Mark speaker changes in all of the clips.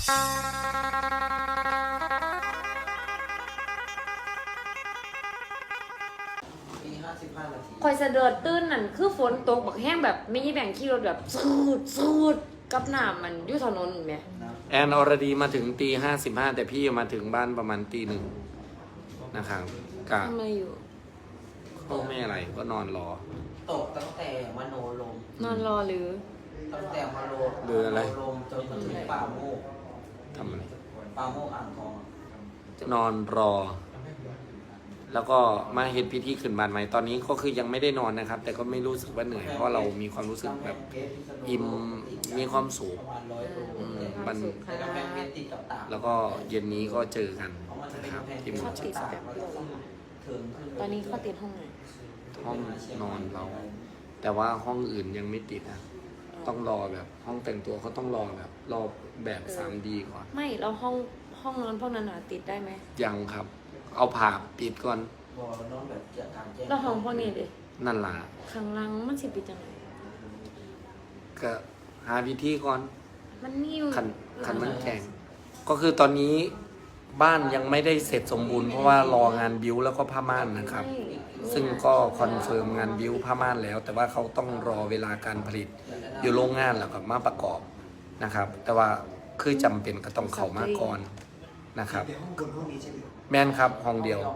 Speaker 1: ตี55 นาที
Speaker 2: คอยสะเดิดตื้นนั่นคือฝนตกบักแห้งแบบไม่ใช่แบ่งขี่รถแบบสูดกับน้ำมันอยู่ถนนไหม
Speaker 3: แอนอรดีมาถึงตี55แต่พี่มาถึงบ้านประมาณตี 1นะครับกะ
Speaker 2: ทำอะไรอยู่
Speaker 3: ก็ไม่อะไรก็นอนรอ
Speaker 1: ตกตั้งแต่มโนลม
Speaker 2: นอนรอหรือ
Speaker 1: ตั้งแต่มโนลมจนถึงป่าโมก
Speaker 3: ทำอะไร
Speaker 1: ป่าโมกอ่างทอง
Speaker 3: นอนรอ แล้วก็มาเห็นพิธีขึ้นบ้านใหม่ตอนนี้ก็คือยังไม่ได้นอนนะครับ แต่ก็ไม่รู้สึกว่าเหนื่อยเพราะเรามีความรู้สึกแบบอิ่มมีความสุขมันแล้วก็เย็นนี้ก็เจอกันนะครับที่หมู่เจ็ด
Speaker 2: ตอนนี้เขาติดห้องไหน
Speaker 3: ห้องนอนเรา แต่ว่าห้องอื่นยังไม่ติดนะต้องรอแบบห้องแต่งตัวเขาต้องรอแบบ 3D ก่อน
Speaker 2: ไม่เราห้องนอนพวกนั้นติดได้ไหม
Speaker 3: ยังครับ เอาผ่าปิดก่อน
Speaker 2: แล้วห้องพวกนี้ดิ
Speaker 3: นั่นล่ะ
Speaker 2: ข้างล่างมันสิปิดจังไง
Speaker 3: ก็หาวิธีก่อน
Speaker 2: มันนิ่ว
Speaker 3: ขันมันแข็งก็คือตอนนี้บ้านยังไม่ได้เสร็จสมบูรณ์เพราะว่ารองานบิ้วแล้วก็ผ้าม่านนะครับซึ่งก็คอนเฟิร์มงานบิ้วผ้าม่านแล้วแต่ว่าเขาต้องรอเวลาการผลิตอยู่โรงงานแล้วก็มาประกอบนะครับแต่ว่าคือจำเป็นก็ต้องเข้ามาก่อนนะครับแม่นครับห้องเดียว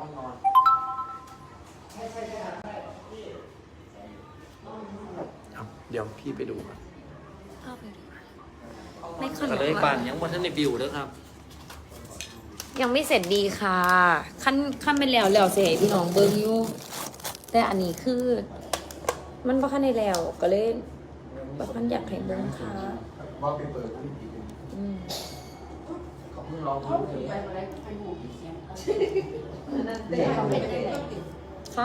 Speaker 3: เดี๋ยวพี่ไปดูก่อน
Speaker 2: ไม่ขนาด
Speaker 3: เลยบ้านยังวันนั้นในบิวด้วยครับ
Speaker 2: ยังไม่เสร็จดีค่ะขั้นเป็นแล้วเสียพี่น้องเบิ้งอยู่แต่อันนี้คือมันบ่ขั้นในแล้วก็เลยบ่ขั้นอยากให้เบิ้งค่ะ
Speaker 1: ว่าไปเปิดผู้หญิงเขาเพิ่งร้องเพลง
Speaker 2: ค่ะ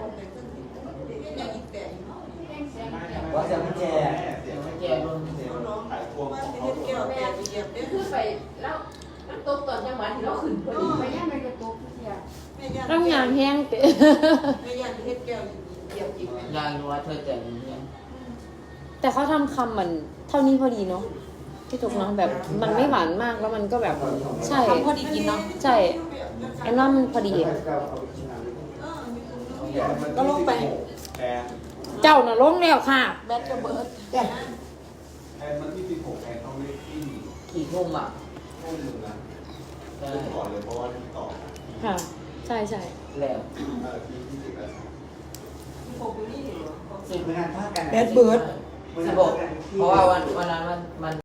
Speaker 1: ว่าเสียงแก่ลงน้องถ่ายพวงของเขา
Speaker 4: คือไปแล้วตกตอนจังหวะที่เราขึ้นพอดีไปย่างในกระตุกเสีย
Speaker 2: ร่างงานแห้งเตะ
Speaker 4: ไม่ย่างเฮ็ดแก้วเกี่ยวจิบ
Speaker 1: ยายรู้ว่าเธอแต่งเนี่ย
Speaker 2: แต่เขาทำคำมันเท่านี้พอดีเนาะพี่ถูกเนาะแบบมันไม่หวานมากแล้วมันก็แบบใช่
Speaker 4: พอดีกินเนาะ
Speaker 2: ใช่แอนว่ามันพอดี
Speaker 4: ก็ลงไป
Speaker 2: เจ้าน่ะลงแล้วค่ะ
Speaker 4: แบตระเบิด
Speaker 1: แอนมันที่16แอนต้องได้ที่กี่ทุ่มทุ่มนึงนะก่อนเลยเพราะว่าที่ต่อ
Speaker 2: ค่ะใช่
Speaker 1: แล้วที่10แล้ว10งานภาคกัน
Speaker 4: แบตเบิร์ด
Speaker 1: 16เพราะว่าวันนั้นมัน